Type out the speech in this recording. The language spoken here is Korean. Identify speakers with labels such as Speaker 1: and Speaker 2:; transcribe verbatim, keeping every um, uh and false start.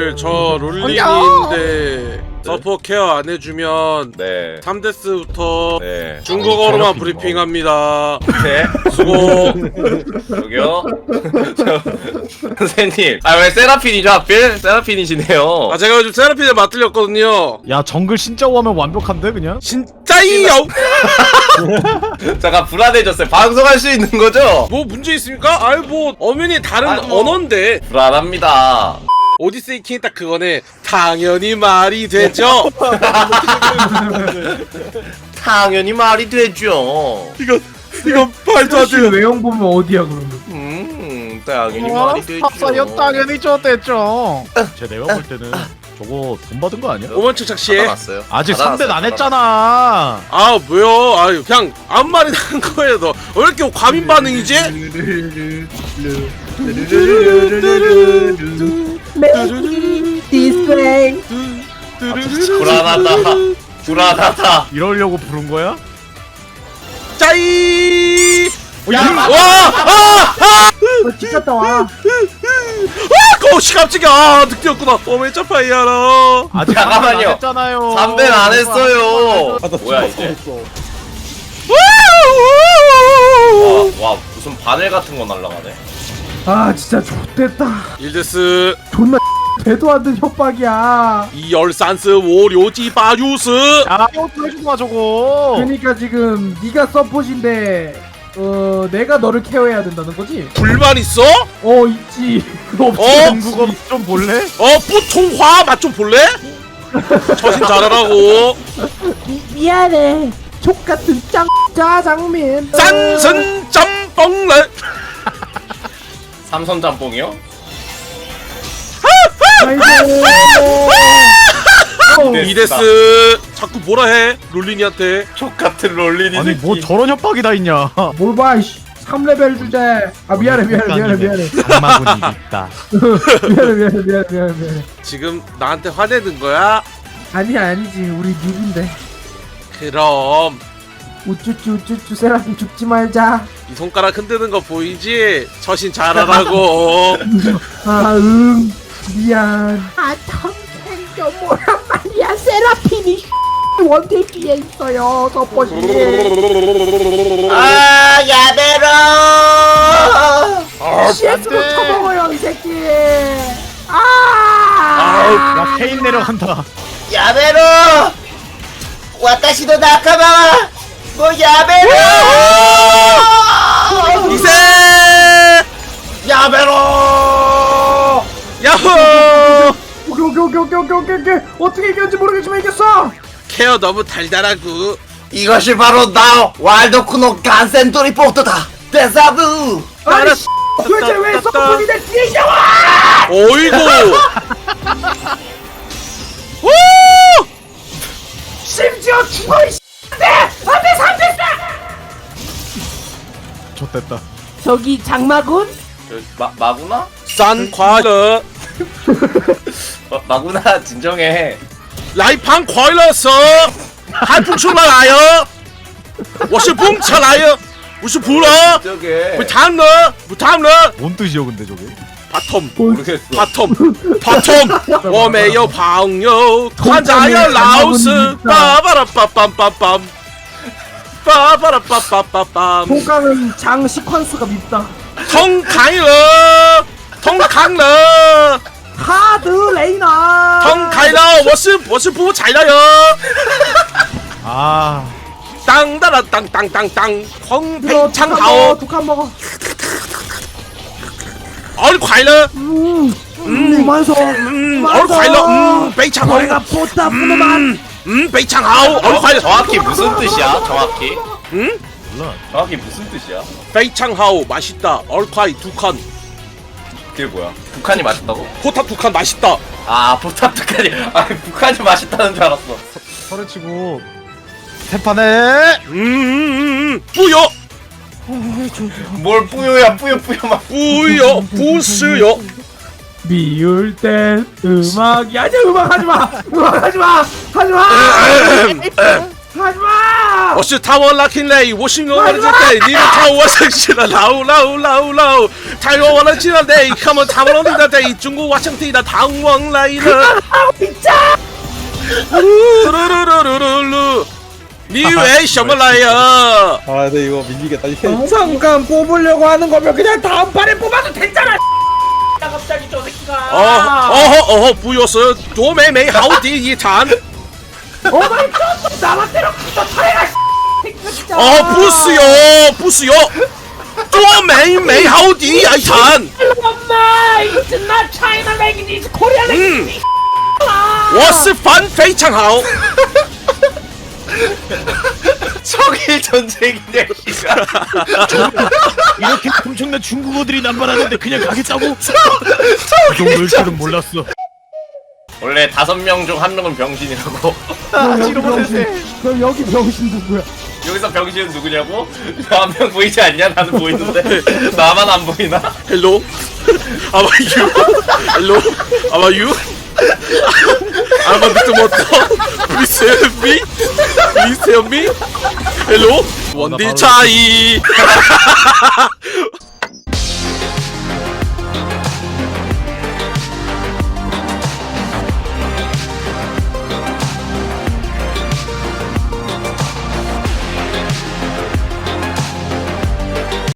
Speaker 1: 형님들 저 롤링인데 서포 케어 안 해주면
Speaker 2: 네.
Speaker 1: 삼 데스부터
Speaker 2: 네.
Speaker 1: 중국어로만 브리핑합니다.
Speaker 2: 네.
Speaker 1: 수고.
Speaker 2: 저기요. 저, 선생님. 아 왜 세라핀이죠 하필? 세라핀이시네요.
Speaker 1: 아 제가 요즘 세라핀을 맡들렸거든요.
Speaker 3: 야 정글 신짜오 하면 완벽한데 그냥?
Speaker 1: 진짜이요.
Speaker 2: 잠깐 불안해졌어요. 방송할 수 있는 거죠?
Speaker 1: 뭐 문제 있습니까? 아이 뭐 엄연히 다른
Speaker 2: 아, 뭐.
Speaker 1: 언어인데.
Speaker 2: 불안합니다.
Speaker 1: 오디세이 킹 딱 그거네. 당연히 말이 되죠.
Speaker 2: 당연히 말이 되죠.
Speaker 1: 이거 이거 말도 안 돼요.
Speaker 4: 외형 보면 어디야 그러면?
Speaker 2: 음, 당연히 말이 되죠.
Speaker 3: 탑사연 당연히 좋댔죠. 제 내가 볼 때는 저거 돈 받은 거 아니야?
Speaker 1: 오만 척 착시해.
Speaker 2: 받아놨어요.
Speaker 3: 아직
Speaker 2: 받아놨어요,
Speaker 3: 삼 대는 안
Speaker 2: 받아놨어요.
Speaker 3: 했잖아.
Speaker 1: 아 뭐야? 아유 그냥 아무 말이나 한 거예요. 너 왜 이렇게 과민 반응이지?
Speaker 4: This way.
Speaker 2: 불안하다. 불안하다.
Speaker 3: 이러려고 부른 거야?
Speaker 1: 짜이.
Speaker 2: 야,
Speaker 1: 와! 아! 아!
Speaker 4: 어, 찍혔다 와.
Speaker 1: 아! 거시 깜짝이야. 아, 늑대였구나. 어메 짜파이야라.
Speaker 3: 아직
Speaker 2: 잠깐만요.
Speaker 3: 삼 대는 안 했잖아요.
Speaker 2: 삼 대는 안 했어요. 뭐야 이제? 와, 와 무슨 바늘 같은 거 날라가네.
Speaker 4: 아 진짜 좋댔다.
Speaker 1: 일데스
Speaker 4: 존나 배도 안 된 협박이야.
Speaker 1: 이열산스 오료지 바유스.
Speaker 3: 야 이거 해주고 마 저거.
Speaker 4: 그러니까 지금 네가 서폿인데 어 내가 너를 케어해야 된다는 거지?
Speaker 1: 불만 있어?
Speaker 4: 어 있지. 그거 없지.
Speaker 1: 어?
Speaker 3: 중국어 좀 볼래?
Speaker 1: 어 뿌통화 맛 좀 볼래? 처신 잘하라고.
Speaker 4: 미, 미안해. 족 같은 짱 짜장면.
Speaker 1: 짠슨 짬뽕래.
Speaker 2: 삼선 짬뽕이요?
Speaker 4: 아이고.
Speaker 2: 네.
Speaker 1: 이데스 자꾸 뭐라 해 롤린이한테.
Speaker 2: 족 같은 롤린이.
Speaker 3: 아니 뭐 저런 협박이 다 있냐?
Speaker 4: 뭘 봐, 이씨. 삼 레벨 주제. 아 미안해 미안해 미안해 미안해.
Speaker 3: 장마군이 있다.
Speaker 4: 미안해 미안해 미안해 미안해 미안해.
Speaker 1: 지금 나한테 화내는 거야?
Speaker 4: 아니야 아니지 우리 뉴비인데.
Speaker 1: 그럼
Speaker 4: 우쭈쭈 우쭈쭈 세라핀 죽지 말자.
Speaker 1: 이 손가락 흔드는 거 보이지? 처신 잘하라고.
Speaker 4: 아 응 미안. 아 탐생겨 뭐란 말이야. 세라핀이 원딜 뒤에 있어요 서폿이.
Speaker 2: 아 야베로.
Speaker 4: 씨에스도 쳐먹어요 이 새끼. 아
Speaker 3: 야 케인 내려간다.
Speaker 2: 야베로. 와타시도 나카마. 뭐 야베로.
Speaker 1: 이세
Speaker 2: 야베로.
Speaker 1: 야호.
Speaker 4: 오케이 오케이 오케이 오케이 오케이 오케이 오케이. 어떻게 이겼는지 모르겠지만 이겼어.
Speaker 1: 케어 너무 달달하고.
Speaker 2: 이것이 바로 나 왈도쿠노 간센토리 포트다. 데자부.
Speaker 4: 아니 씨, 도대체 왜 서폿이 내 뒤에 있냐.
Speaker 1: 어이구. 오!
Speaker 4: 심지어 죽어 이 씨인데 안돼 삼대
Speaker 3: 좋댔다.
Speaker 4: 저기 장마군?
Speaker 2: 마 마구나?
Speaker 1: 산 과일러
Speaker 2: 어, 마구나 진정해.
Speaker 1: 来盘快乐蛇还不出来呀？我是蹦起来呀，我是普了，
Speaker 2: 저게
Speaker 1: 不谈了，不谈了，
Speaker 3: 뭔 뜻이요 근데 저게?
Speaker 1: 바텀
Speaker 2: 모르겠어.
Speaker 1: 바텀 바텀，我没有朋友，看在呀老师，巴巴拉巴梆梆梆，巴巴拉巴梆梆梆，
Speaker 4: 통깡은 장 시퀀스가 밉다.
Speaker 1: 通开了，通开了，
Speaker 4: 하드 레이나.
Speaker 1: 通开了，我是我是不踩了哟。
Speaker 3: 아
Speaker 1: 当当当当当当当，红
Speaker 4: 이거
Speaker 1: 配唱
Speaker 4: 독한
Speaker 1: 好
Speaker 4: 먹어, ， 독한 먹어.
Speaker 1: 儿快乐，
Speaker 4: 음, 음, 만서.
Speaker 1: 嗯，儿快乐，嗯，非常好，
Speaker 4: 내가 보다 부르만.
Speaker 1: 嗯，非常好，儿快乐，
Speaker 2: 정확히 무슨 뜻이야? 정확히?
Speaker 1: 음,
Speaker 3: 몰라.
Speaker 2: 정확히 무슨 뜻이야?
Speaker 1: 非常好，맛있다， 儿快두 칸，
Speaker 2: 그게 뭐야? 북한이 맛있다고?
Speaker 1: 포탑 두 칸 맛있다.
Speaker 2: 아 포탑 북한이 아 북한이 맛있다는 줄 알았어.
Speaker 3: 서른치고 세 판에
Speaker 1: 음, 음, 음, 뿌요,
Speaker 2: 뭘 뿌요야 뿌요 뿌요 막.
Speaker 1: 뿌요, 부스요.
Speaker 4: 미울 땐 음악이 아니야. 음악 하지 마. 음악 하지 마. 하지 마. 하지 마.
Speaker 1: 我是他我 Lucky Lay， 我是我的这代，你们看我生气了，老老老老， 台湾的进来的，他们他们弄的的中国瓦生地的唐王来了。噜噜噜噜噜噜，你为什么来呀？
Speaker 5: 아, 근데 이거 밀리겠다. 이거
Speaker 4: 잠깐 뽑으려고 하는 거면 그냥 다음 판에 뽑아도 됐잖아. 갑자기 저 새끼가.
Speaker 1: 哦哦哦，不要说多美美好的一场。
Speaker 4: 오마이 갓 나한테로 또 차례가.
Speaker 1: 哦，不是哟，不是哟，多美美好的一场。
Speaker 4: 엄마, it's not China language, it's Korean language.
Speaker 1: 我是反非常好。
Speaker 2: 청일 전쟁이냐 이가.
Speaker 3: 이렇게 엄청난 중국어들이 남발하는데 그냥 가겠다고? 그 정도일 줄은 몰랐어.
Speaker 2: 원래 다섯 명 중 한 명은 병신이라고.
Speaker 4: 여기 병신. 그럼 여기 병신 누구야?
Speaker 2: 여기서 병신은 누구냐고? 한 명 보이지 않냐? 나는 보이는데 나만 안 보이나?
Speaker 1: Hello, how are you? Hello, how are you? I'm a bit moto. Please help me. Please help me. Hello, 원딜 차이.